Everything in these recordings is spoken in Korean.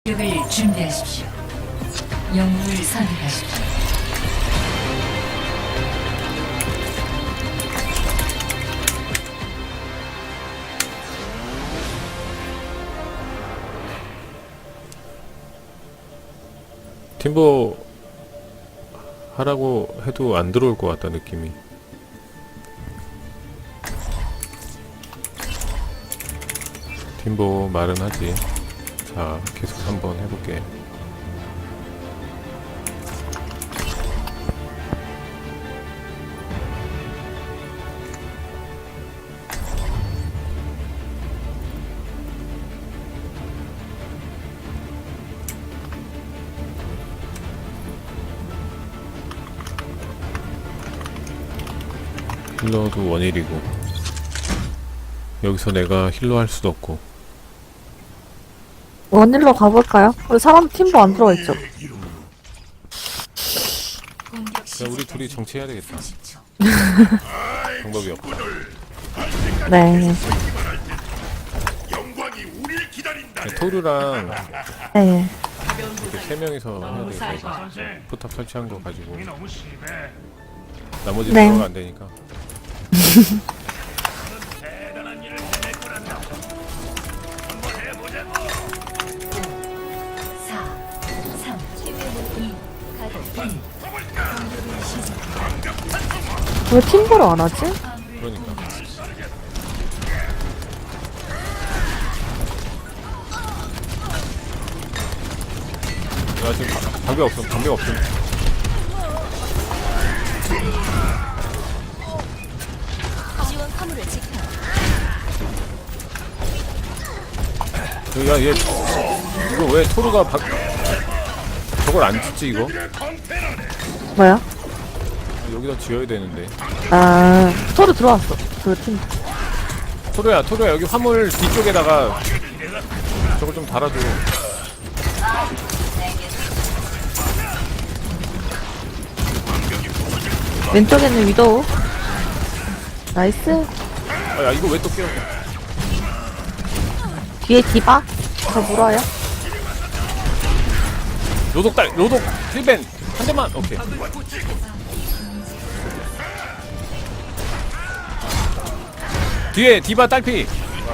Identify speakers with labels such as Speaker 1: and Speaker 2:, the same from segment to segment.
Speaker 1: 을 준비하십시오. 영웅을 선택하십시오.
Speaker 2: 팀보 하라고 해도 안 들어올 것 같다 느낌이. 팀보 말은 하지. 자, 계속 한번 해볼게. 힐러도 원일이고 여기서 내가 힐러 할 수도 없고.
Speaker 3: 원일로 가볼까요? 우리 사람 팀도 안 들어가 있죠?
Speaker 2: 그냥 우리 둘이 정치해야 되겠다. 방법이 없다.
Speaker 3: 네.
Speaker 2: 토르랑
Speaker 3: 네.
Speaker 2: 이렇게 세 명이서 해야 되겠다 이거. 포탑 설치한 거 가지고 나머지
Speaker 3: 네.
Speaker 2: 들어가 안 되니까.
Speaker 1: 4, 3, 2,
Speaker 3: 왜 팀보를 안 하지?
Speaker 2: 그러니까. 야 지금 방벽 없음. 방벽 없음. 야얘 이거 왜 토르가 저걸 안 짓지 이거?
Speaker 3: 뭐야?
Speaker 2: 여기다 지어야 되는데.
Speaker 3: 아, 토르 들어왔어. 그 팀.
Speaker 2: 토르야 여기 화물 뒤쪽에다가 저걸 좀 달아줘.
Speaker 3: 왼쪽에는 위도우. 나이스.
Speaker 2: 아, 야 이거 왜 또 깨워?
Speaker 3: 뒤에 디바. 저 물어요.
Speaker 2: 로독 힐벤 한 대만. 오케이. 뒤에 디바 딸피.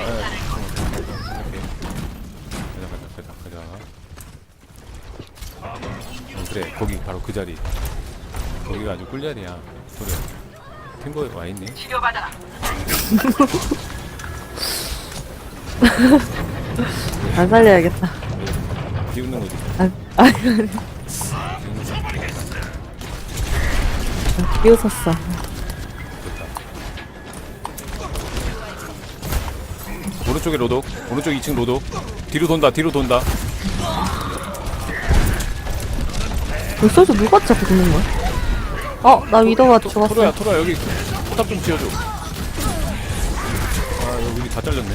Speaker 2: 가자. 그래 거기 바로 그 자리. 거기가 아주 꿀자리야. 그래. 팀보에 와 있니?
Speaker 3: 안 살려야겠다.
Speaker 2: 비웃는 거지.
Speaker 3: 비웃었어.
Speaker 2: 오른쪽에 로독. 오른쪽 2층 로독. 뒤로 돈다.
Speaker 3: 벌써서 누가 자꾸 듣는 거야? 나 위도우한테 죽었어.
Speaker 2: 토로야 여기 포탑 좀 지어줘. 아 여기 다 잘렸네.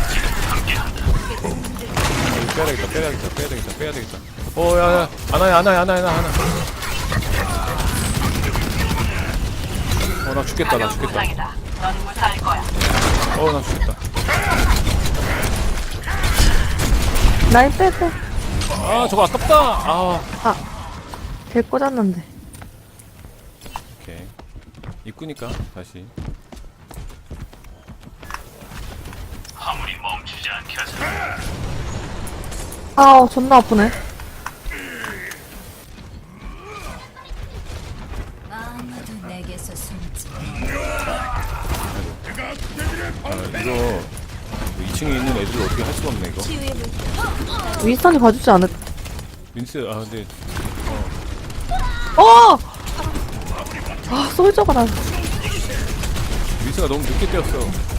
Speaker 2: 빼야 되겠다. 야야 하나. 나 죽겠다. 나 죽겠다.
Speaker 3: 라인 빼.
Speaker 2: 아 저거 아깝다.
Speaker 3: 개 꽂았는데.
Speaker 2: 오케이. 입구니까 다시.
Speaker 3: 존나 아프네.
Speaker 1: 아무도 내게서 숨지.
Speaker 2: 이거 2층에 있는 애들 어떻게 할 수가 없네 이거.
Speaker 3: 윈스턴이 봐주지 않을.
Speaker 2: 민스 근데
Speaker 3: 솔저가 나.
Speaker 2: 민스가 너무 늦게 뛰었어.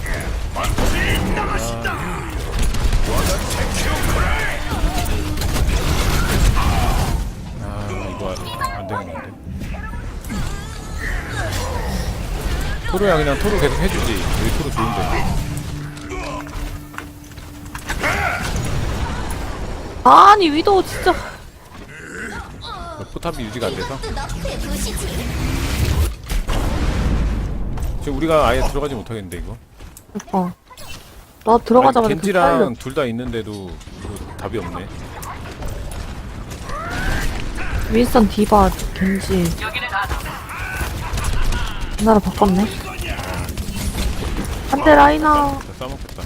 Speaker 2: 이거 안 되겠는데. 토르야 그냥 토르 계속 해주지. 여기 토르 좋은데.
Speaker 3: 아니 위도우 진짜.
Speaker 2: 포탑이 유지가 안 돼서. 지금 우리가 아예 들어가지 못하겠는데 이거.
Speaker 3: 나 들어가자마자
Speaker 2: 겐지랑 둘 다 있는데도 이거 답이 없네.
Speaker 3: 윈스턴 디바 겐지 하나로 바꿨네. 안돼 라이나.
Speaker 2: 나 싸먹겠다.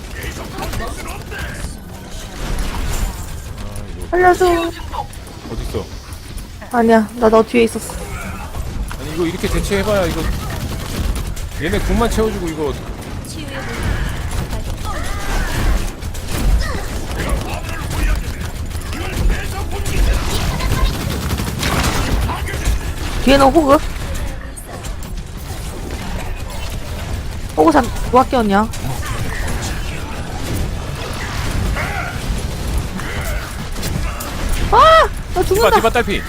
Speaker 3: 살려줘.
Speaker 2: 어딨어?
Speaker 3: 아니야 나 너 뒤에 있었어.
Speaker 2: 아니 이거 이렇게 대체해봐야 이거 얘네 궁만 채워주고 이거
Speaker 3: 뒤에는 호그. 호그 누가 끼웠냐? 아! 나
Speaker 2: 디바
Speaker 3: 죽는다.
Speaker 2: 디바 딸피.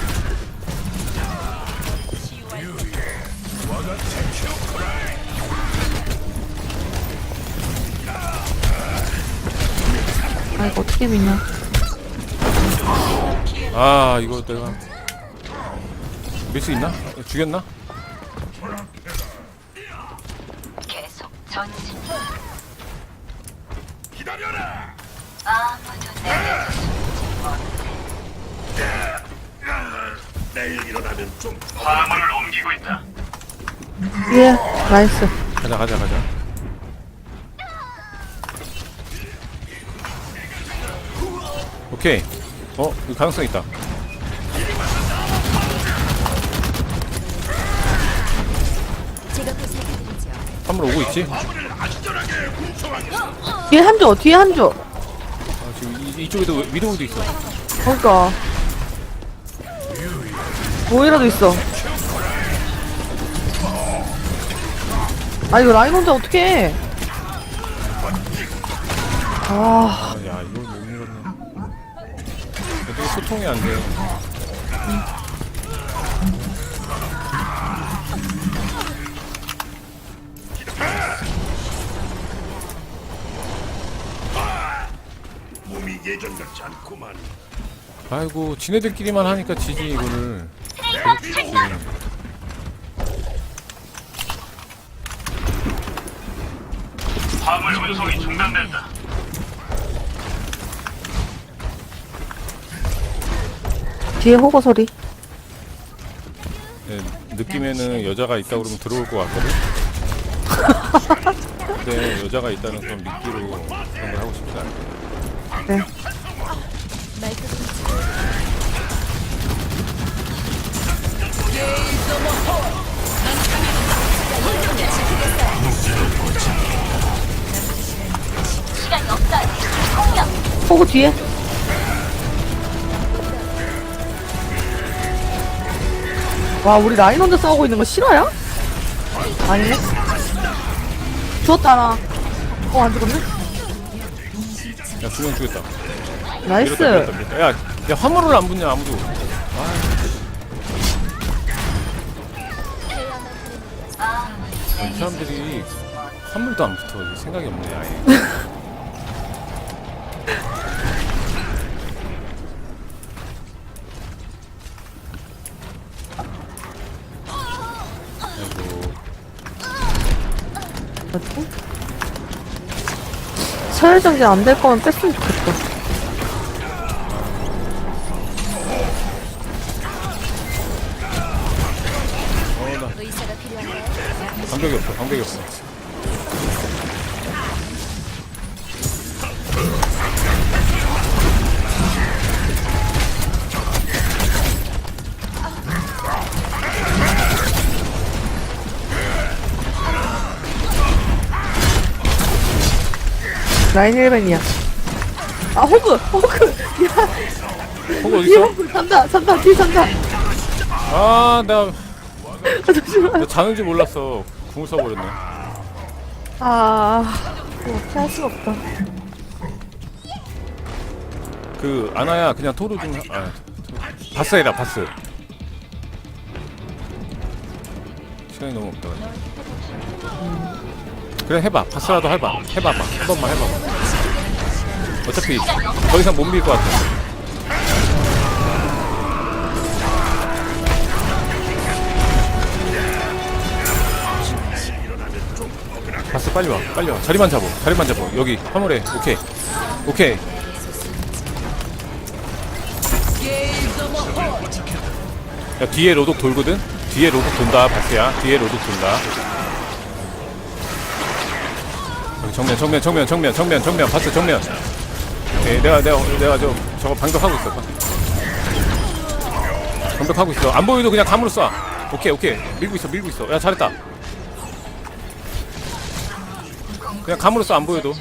Speaker 3: 아 이거 어떻게 미냐?
Speaker 2: 아 이거 내가 밀 수 있나? 죽였나?
Speaker 1: 계속 전진. 아무도 내게서 숨지 못해.
Speaker 4: 내일 일어나면 좀 화물을 옮기고 있다.
Speaker 3: 예, 나이스.
Speaker 2: 가자 가자 가자. 오케이. 이거 가능성 있다.
Speaker 1: 제가 보살펴드리죠.
Speaker 2: 한번 오고 있지?
Speaker 3: 뒤에 한조, 뒤에 한조.
Speaker 2: 지금 이쪽에도 위도우도 있어.
Speaker 3: 그러니까. 모이라도 있어. 아 이거 라인 혼자 어떡해. 아
Speaker 2: 야 이걸 못 밀었네. 어떻게 소통이 안 돼.
Speaker 4: 몸이 예전 같지 않구만.
Speaker 2: 아이고 지네들끼리만 하니까 지지 이거를. 계속 지지.
Speaker 4: 화물 운송이 중단된다.
Speaker 3: 뒤에 호거 소리.
Speaker 2: 네, 느낌에는 여자가 있다 그러면 들어올 것 같거든. 근데 여자가 있다는 그런 미끼로 그런 걸 하고 싶지 않아.
Speaker 3: 네. 호그 뒤에. 와 우리 라인 혼자 싸우고 있는 거 실화야? 아니네. 죽었다 나. 안 죽었네?
Speaker 2: 야 두명 죽였다.
Speaker 3: 나이스.
Speaker 2: 밀었다, 밀었다. 야 화물을 안 붙냐 아무도. 이 사람들이 화물도 안 붙어. 생각이 없네 아예. 아이고.
Speaker 3: 뭐지? 서열정지 안 될 거면 뺐으면 좋겠다.
Speaker 2: 나
Speaker 1: 의사가 필요한가요?
Speaker 2: 방벽이 없어. 방벽이 없어.
Speaker 3: 라인 1벤이야. 아 호그! 호그! 야
Speaker 2: 호그
Speaker 3: 뒤에
Speaker 2: 어딨어?
Speaker 3: 호그 산다! 산다! 뒤에 산다!
Speaker 2: 아 내가
Speaker 3: 아, 잠시만.
Speaker 2: 나 자는지 몰랐어. 궁을 써버렸네.
Speaker 3: 어떻게 할 수가 없다.
Speaker 2: 그 아나야 그냥 토로 좀 바스 해라 바스. 시간이 너무 없다. 그래 해봐. 바스라도 해봐. 해봐봐. 한 번만 해봐봐. 어차피 더 이상 못 밀 것 같아. 바스 빨리 와. 빨리 와. 자리만 잡어. 자리만 잡어. 여기 화물에. 오케이. 오케이. 야, 뒤에 로독 돌거든? 뒤에 로독 돈다, 바스야. 뒤에 로독 돈다. 여기 정면. 바스 정면. 오케이, 내가 저거 방벽하고 있어. 방벽하고 있어. 안 보여도 그냥 감으로 쏴. 오케이. 밀고 있어. 야, 잘했다. 그냥 감으로 쏴, 안 보여도.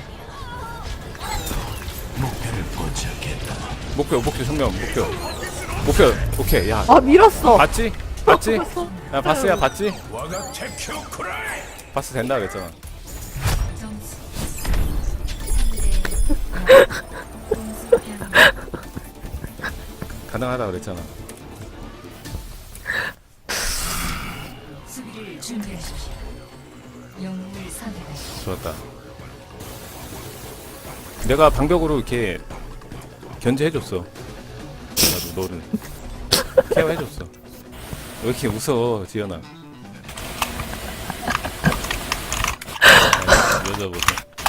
Speaker 2: 목표, 정면, 목표. 오케이, 야.
Speaker 3: 아 밀었어.
Speaker 2: 봤지? 야, 바스야, 봤지? 바스 된다 그랬잖아. 가능하다 그랬잖아.
Speaker 1: 수비를 준비하십시오. 영웅을 선택하십시오.
Speaker 2: 좋았다. 내가 방벽으로 이렇게 견제해줬어. 나도 너를 케어해줬어. 왜 이렇게 웃어, 지연아? 여자 보자.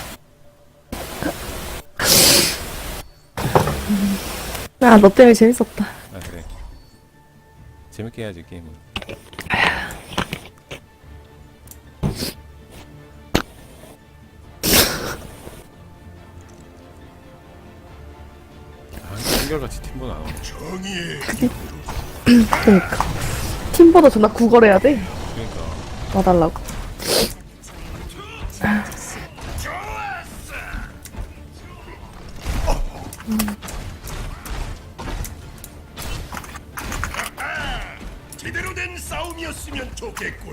Speaker 3: 야 너 때문에 재밌었다.
Speaker 2: 아, 그래. 재밌게 해야지, 게임은. 한결같이 팀보 나와.
Speaker 3: 그러니까 팀보다 존나 구걸해야 돼.
Speaker 2: 그러니까.
Speaker 3: 와달라고.
Speaker 4: 제대로 된 싸움이었으면 좋겠군.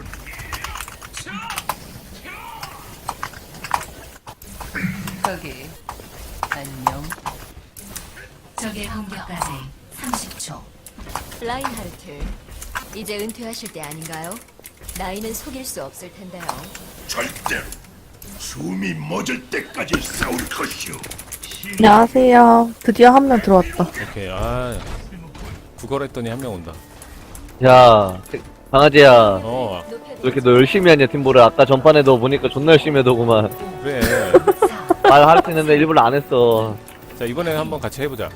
Speaker 1: 거기 안녕. 적의 공격까지 30초. 라인하르트, 이제 은퇴하실 때 아닌가요? 나이는 속일 수 없을 텐데요.
Speaker 4: 절대로 숨이 멎을 때까지 싸울 것이오.
Speaker 3: 안녕하세요. 드디어 한 명 들어왔다.
Speaker 2: 오케이. 아, 구걸했더니 한 명 온다.
Speaker 5: 야, 강아지야.
Speaker 2: 어,
Speaker 5: 왜 이렇게 너 열심히 하냐, 팀보를. 아까 전판에도 보니까 존나 열심히 하더구만.
Speaker 2: 그래.
Speaker 5: 말 하려고 했는데 일부러 안 했어.
Speaker 2: 자, 이번에 한번 같이 해보자.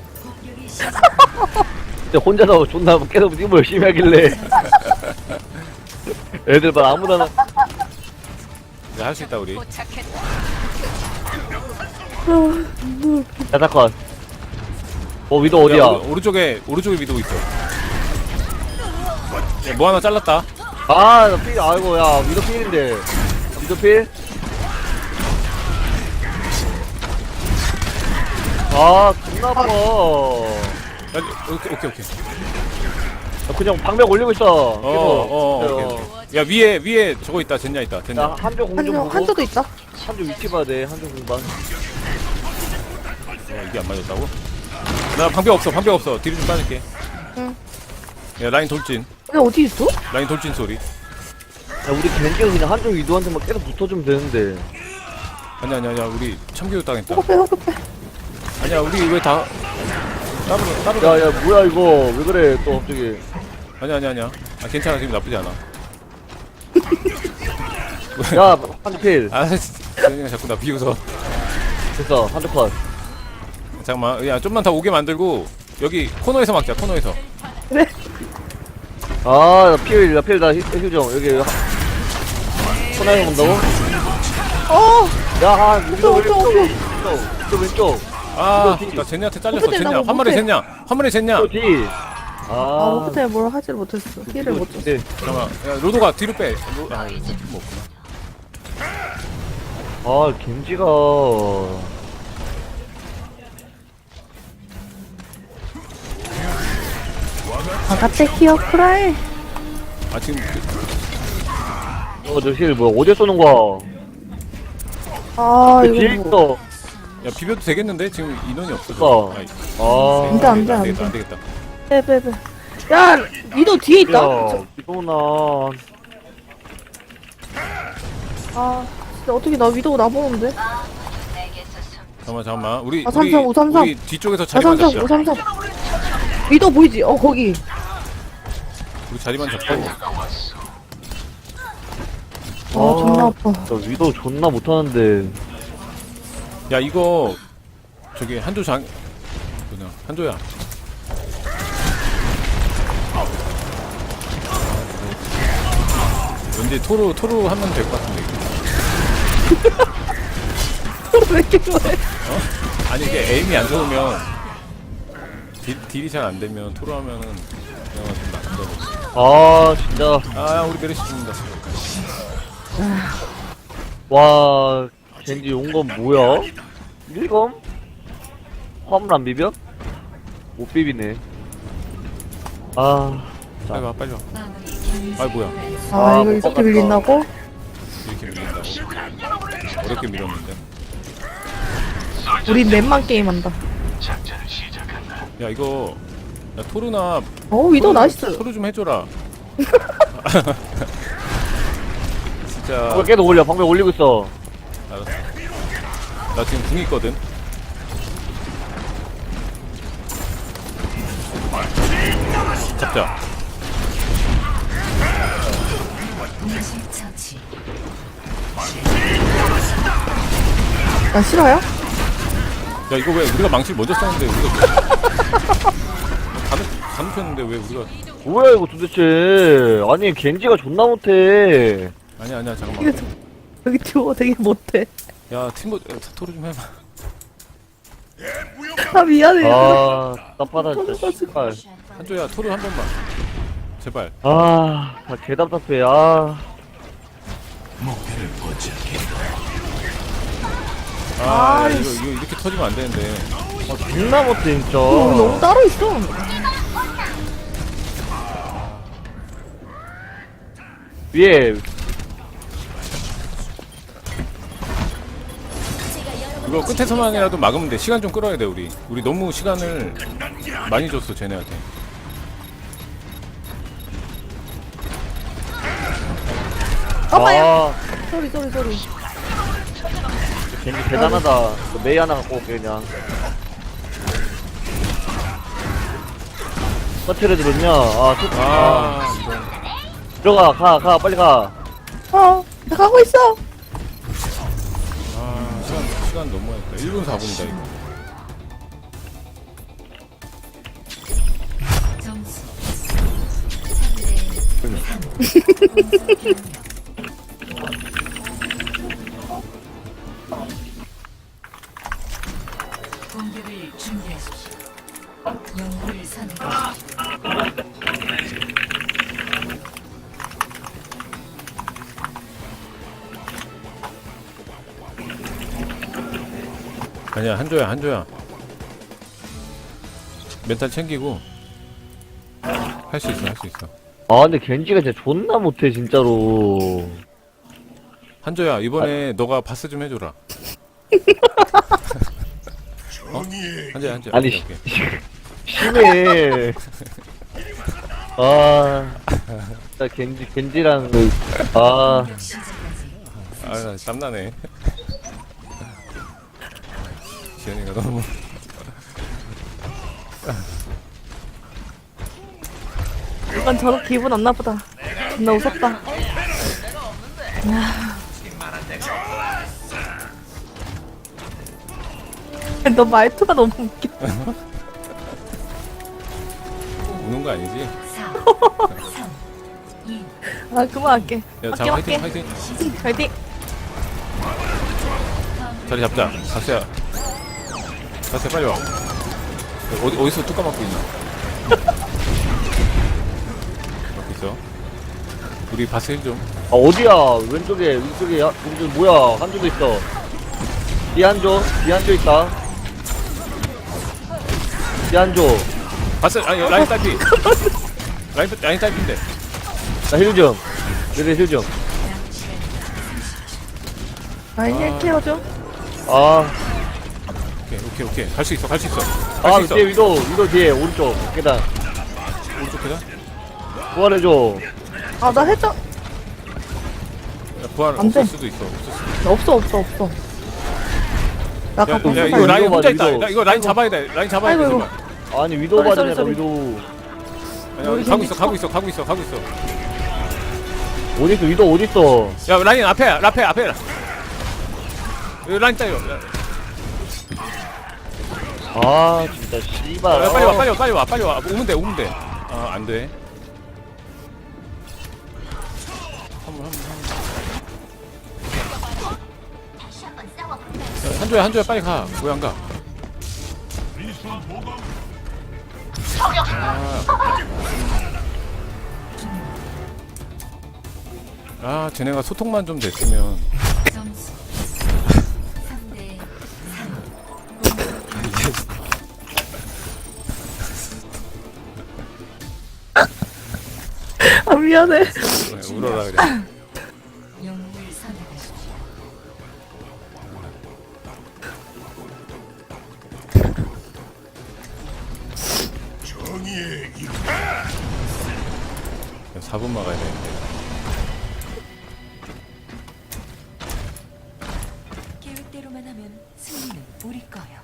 Speaker 5: 근데 혼자서 존나 계속 팀보 열심히 하길래. 애들 막 아무나
Speaker 2: 이제 할 수 있다, 우리.
Speaker 5: 야타컷. 위도 어디야?
Speaker 2: 야, 오른쪽에 위도 있어. 야, 뭐 하나 잘랐다.
Speaker 5: 아, 나 필, 아이고, 야, 위도 필인데. 위도 필? 아, 존나 아파.
Speaker 2: 야, 오케이.
Speaker 5: 나 그냥 방벽 올리고 있어.
Speaker 2: 오케이. 야, 위에 저거 있다. 젠냐 있다. 젠냐.
Speaker 5: 나 한조 공좀 보고.
Speaker 3: 한조도 있다.
Speaker 5: 한조 위치 봐야 돼. 한조 공반.
Speaker 2: 이게 안 맞았다고? 나 방벽 없어. 뒤로 좀 빠질게.
Speaker 3: 응.
Speaker 2: 야, 라인 돌진.
Speaker 3: 근데 어디 있어?
Speaker 2: 라인 돌진 소리.
Speaker 5: 야, 우리 겐지가 그냥 한조 위도한테만 계속 붙어주면 되는데.
Speaker 2: 아니야. 우리 참교육 당했다.
Speaker 3: 호급해.
Speaker 2: 아니야, 우리 왜 다 따로.
Speaker 5: 야, 뭐야, 이거. 왜 그래, 또 갑자기.
Speaker 2: 아니야. 아, 괜찮아. 지금 나쁘지 않아.
Speaker 5: 야, 한조 필.
Speaker 2: 아, 그냥 자꾸 나 비웃어.
Speaker 5: 됐어, 한조 컷.
Speaker 2: 잠깐만. 야, 좀만 더 오게 만들고 여기 코너에서 막자. 코너에서.
Speaker 5: 아, 나 필, 나 힐 좀. 여기. 코나에 온다고? 야, 위도 왼쪽.
Speaker 2: 아,
Speaker 5: 이거 뒤.
Speaker 2: 나 젠냐한테 잘렸어.
Speaker 3: 어떻게
Speaker 2: 젠냐.
Speaker 3: 된다고
Speaker 2: 화물에 젠냐.
Speaker 5: 또 뒤. 아,
Speaker 3: 호텔 뭘 하지를 못했어. 힐을 못 줬어.
Speaker 5: 네.
Speaker 2: 잠깐만. 야, 로도가 뒤로 빼. 아, 뭐 없구나.
Speaker 5: 아, 겐지가.
Speaker 3: 바가테 키어 크라이.
Speaker 2: 아, 지금
Speaker 5: 저 힐 뭐야? 어디에 쏘는 거야?
Speaker 3: 아
Speaker 5: 뒤에
Speaker 3: 이거 뭐.
Speaker 5: 있어.
Speaker 2: 야, 비벼도 되겠는데? 지금 인원이 없어.
Speaker 5: 어.
Speaker 2: 아이,
Speaker 5: 아,
Speaker 3: 안 돼.
Speaker 2: 안 되겠다.
Speaker 3: 빼. 야 니도 뒤에 있다.
Speaker 5: 야, 이거나.
Speaker 3: 아 진짜 어떻게 나 위도우 나보는데?
Speaker 2: 잠깐만. 우리
Speaker 3: 아, 335.
Speaker 2: 우리 뒤쪽에서 자리만
Speaker 3: 533
Speaker 2: 잡자.
Speaker 3: 533. 위도우 보이지? 거기.
Speaker 2: 우리 자리만 잡고.
Speaker 3: 아 존나 아파.
Speaker 5: 나 위도 존나 못하는데.
Speaker 2: 야, 이거 저기 한조야. 왠지 토로 하면 될 것 같은데 이거.
Speaker 3: 왜 이렇게 좋아해?
Speaker 2: 아니 이게 에임이 안 좋으면 딜이 잘 안 되면 토로 하면은 그냥 좀 나쁜다고.
Speaker 5: 아 진짜
Speaker 2: 아 우리 메르시 죽는다.
Speaker 5: 와 겐지 온 건 뭐야? 1검? 화물 안 비벼? 못 비비네. 아
Speaker 2: 빨리 와 빨리 와. 아 뭐야
Speaker 3: 아, 이거 이렇게 밀린다고?
Speaker 2: 이렇게 밀린다고? 어렵게 밀었는데.
Speaker 3: 우리 넷만 게임한다.
Speaker 2: 야 이거 야 토르나
Speaker 3: 위도 나이스.
Speaker 2: 토르 좀 해줘라. 진짜
Speaker 5: 방벽 계속 올려. 방벽 올리고 있어.
Speaker 2: 알았어. 나 지금 궁 있거든. 잡자.
Speaker 1: 처치.
Speaker 3: 나 싫어요?
Speaker 2: 야 이거 왜 우리가 망치를 먼저 썼는데 우리가 다 눕혔는데 왜 우리가
Speaker 5: 뭐야 이거 도대체. 아니 겐지가 존나 못해.
Speaker 2: 아니야 잠깐만.
Speaker 3: 이거 여기 듀오 되게 못해.
Speaker 2: 야 팀버 토르 좀 해봐.
Speaker 3: 아, 미안해.
Speaker 5: 아 답답하다 진짜 씨발.
Speaker 2: 한조야 토르 한 번만 제발.
Speaker 5: 아 개답답해. 아
Speaker 2: 아 이거 이렇게 터지면 안 되는데.
Speaker 5: 존나 못해 진짜.
Speaker 3: 너무 따로 있어.
Speaker 5: 위에
Speaker 2: 이거 끝에서만이라도 막으면 돼. 시간 좀 끌어야 돼 우리 너무 시간을 많이 줬어 쟤네한테.
Speaker 3: 엄마야.
Speaker 5: 아
Speaker 3: 소리.
Speaker 5: 겐지 대단하다. 그 메이 하나 갖고 올게 그냥. 서트레드 넣냐?
Speaker 2: 아
Speaker 5: 들어가 가 빨리 가.
Speaker 3: 나 가고 있어.
Speaker 2: 시간 너무했다. 1분 4분이다 이거.
Speaker 1: 점수 3대 3. 공격을 준비하십시오. 영웅을 선택하십시오.
Speaker 2: 아니야 한조야 멘탈 챙기고 할 수 있어
Speaker 5: 아 근데 겐지가 진짜 존나 못해 진짜로.
Speaker 2: 한조야 이번에 너가 바스 좀 해줘라. 한조야
Speaker 5: 아니
Speaker 2: 오케이.
Speaker 5: 심해. 아 진짜 겐지랑 아
Speaker 2: 나 땀나네. 지현이가 너무
Speaker 3: 약간 저렇게 기분 안 나쁘다. 나 웃었다. 너 말투가 너무 웃겨.
Speaker 2: 우는 거 아니지?
Speaker 1: 4, 3, 2,
Speaker 3: 아, 그만할게.
Speaker 2: 야, 자,
Speaker 3: 할게.
Speaker 2: 화이팅.
Speaker 3: 화이팅.
Speaker 2: 자리 잡자. 바스야 빨리 와. 어디서 뚜까 맞고 있나? 맞고 있어. 우리 바스 힐 좀.
Speaker 5: 아 어디야? 왼쪽에 왼쪽 뭐야? 한조도 있어. 뒤한조 있다. 뒤한조.
Speaker 2: 바스 아니 라인 딸피. 라인 딸피인데.
Speaker 5: 나 힐 좀. 내내 힐 좀.
Speaker 3: 라인 힐 케어줘.
Speaker 5: 아.
Speaker 2: 오케이. 갈 수 있어.
Speaker 5: 아 뒤에 위도 뒤에 오른쪽 계단.
Speaker 2: 오른쪽 계단?
Speaker 5: 부활해줘.
Speaker 3: 아, 나 해줘.
Speaker 2: 야, 부활
Speaker 3: 안 돼.
Speaker 2: 없을 수도 있어. 없을 수도 있어.
Speaker 3: 없어. 나
Speaker 2: 야,
Speaker 3: 갖고
Speaker 2: 야,
Speaker 3: 있어.
Speaker 2: 이거 라인
Speaker 5: 위도
Speaker 2: 혼자
Speaker 5: 봐,
Speaker 2: 있다.
Speaker 5: 위도.
Speaker 2: 나 이거 라인 잡아야 돼. 라인 잡아야 돼.
Speaker 3: 아이고,
Speaker 2: 제발.
Speaker 5: 아니 위도
Speaker 3: 쏘리,
Speaker 5: 받으니까
Speaker 3: 쏘리.
Speaker 5: 위도.
Speaker 2: 아니, 가고 있어.
Speaker 5: 어딨어 위도 어딨어?
Speaker 2: 야, 라인 앞에. 여기 라인 따요.
Speaker 5: 아 진짜 씨발.
Speaker 2: 야, 빨리 와. 오면 돼. 아, 안 돼. 한조야 빨리 가. 왜 안 가? 쟤네가 소통만 좀 됐으면.
Speaker 1: 점수 3대 3.
Speaker 3: 아, 미안해.
Speaker 2: 울어라 그래.
Speaker 1: 영웅을 선택하십시오.
Speaker 4: 정의의 이
Speaker 2: 4분 막아야 되는데.
Speaker 1: 계획대로만 하면 승리는 우리 거요.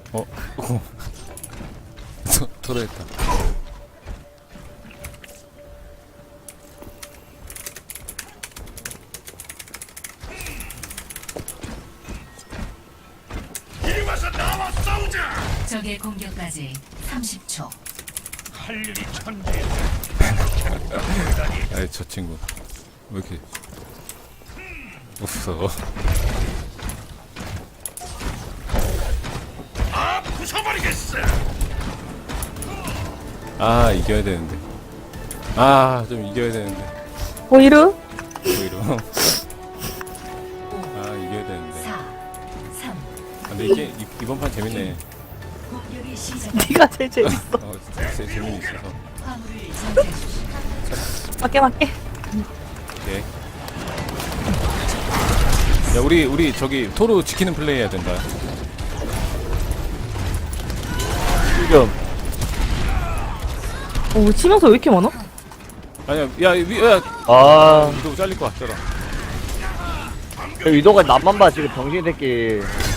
Speaker 2: 토로했다.
Speaker 4: 이리 와서 나와 싸우자.
Speaker 1: 적의 공격까지 30초.
Speaker 4: 할 일이 천대.
Speaker 2: 아이 저 친구 왜 이렇게 없어?
Speaker 4: 아 부숴버리겠어.
Speaker 2: 이겨야 되는데. 좀 이겨야 되는데.
Speaker 3: 오히려?
Speaker 2: 오히려. 이겨야 되는데.
Speaker 1: 4, 3.
Speaker 2: 근데 이게 이번 판 재밌네.
Speaker 1: 공격이 시작.
Speaker 3: 네가 제일 재밌어.
Speaker 2: 재미 있어서.
Speaker 1: 화물을 선택하십시오.
Speaker 3: 맞게.
Speaker 2: 오케이. 야 우리 저기 토르 지키는 플레이 해야 된다.
Speaker 5: 지금
Speaker 3: 우리 치명서 왜 이렇게 많아?
Speaker 2: 아니야 야 위도 잘릴 것 같더라.
Speaker 5: 위도가 남만 봐 지금 병신 새끼.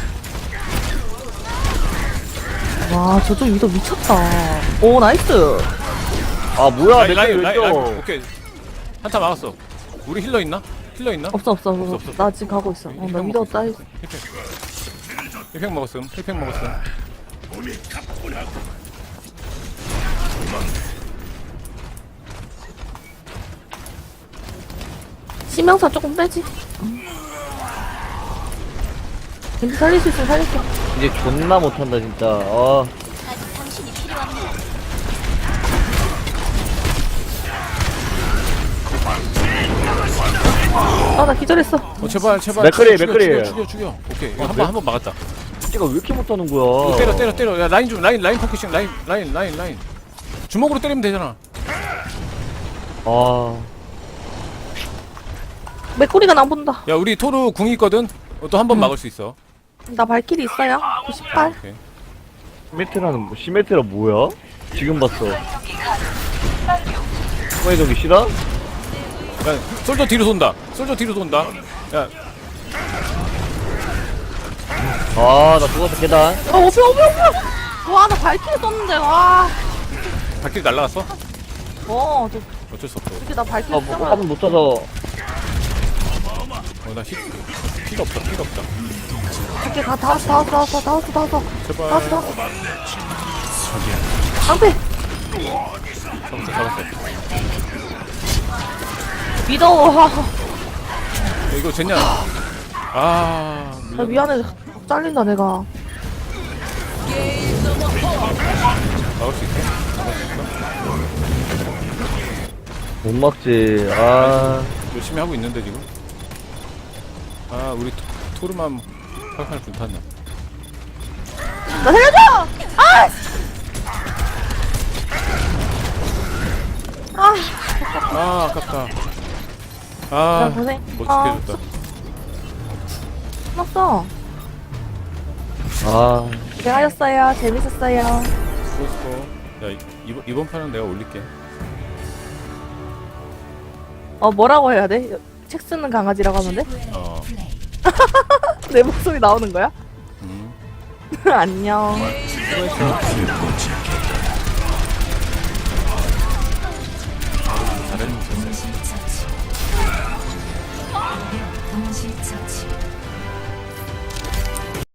Speaker 3: 와, 저쪽 위도 미쳤다. 오, 나이스.
Speaker 5: 아 뭐야 내
Speaker 2: 라인
Speaker 5: 왜 또?
Speaker 2: 오케이. 한타 막았어. 우리 힐러 있나?
Speaker 3: 없어.
Speaker 2: 없어.
Speaker 3: 나 지금 가고 있어. 나 위도 따.
Speaker 2: 힐팩 먹었음.
Speaker 4: 몸이 가뿐하고
Speaker 3: 치명서 조금 빼지. 근데 살릴 수 있으면 살릴게.
Speaker 5: 이제 존나 못한다 진짜.
Speaker 3: 나 기절했어.
Speaker 2: 제발.
Speaker 5: 맥크리.
Speaker 2: 죽여. 오케이. 이거 한번 막았다.
Speaker 5: 진짜가 왜 이렇게 못하는 거야?
Speaker 2: 때려. 야 라인 포커싱. 라인. 주먹으로 때리면 되잖아.
Speaker 3: 맥꼬리가 나 본다.
Speaker 2: 야 우리 토르 궁이 있거든. 또 한 번 막을 수 있어.
Speaker 3: 나 발길이 있어요. 98.
Speaker 2: 오케이.
Speaker 5: 시메트라 뭐야? 지금 봤어. 후에 저기 싫어?
Speaker 2: 야 솔저 뒤로 돈다. 야
Speaker 5: 나 죽었어 계단.
Speaker 3: 오피. 와, 나 발길이 썼는데, 와.
Speaker 2: 발길이 날라갔어?
Speaker 3: 저,
Speaker 2: 어쩔 수 없어.
Speaker 3: 이렇게 나 발길이 썼잖아.
Speaker 5: 한번 못 쳐서.
Speaker 2: 나 피가 없다.
Speaker 3: 이렇게 다 왔어.
Speaker 2: 제발.
Speaker 3: 방패.
Speaker 2: 잡았어.
Speaker 3: 믿어.
Speaker 2: 야, 이거 젠냐?
Speaker 3: 나 미안해. 잘린다, 내가.
Speaker 2: 막을 수 있어?
Speaker 5: 못 막지.
Speaker 2: 열심히 하고 있는데 지금. 우리 토르만 팔팔 불탔네.
Speaker 3: 나 살려줘!
Speaker 2: 아깝다.
Speaker 3: 야, 고생.
Speaker 2: 못 지켜줬다.
Speaker 3: 끝났어.
Speaker 5: 아,
Speaker 3: 고생하셨어요. 재밌었어요.
Speaker 2: 수고. 야 이번 판은 내가 올릴게.
Speaker 3: 뭐라고 해야 돼? 책 쓰는 강아지라고 하면 돼?
Speaker 2: 어.
Speaker 1: 플레이.
Speaker 3: 내 목소리 나오는 거야? 안녕.
Speaker 2: 잘했는
Speaker 1: 동시 처치.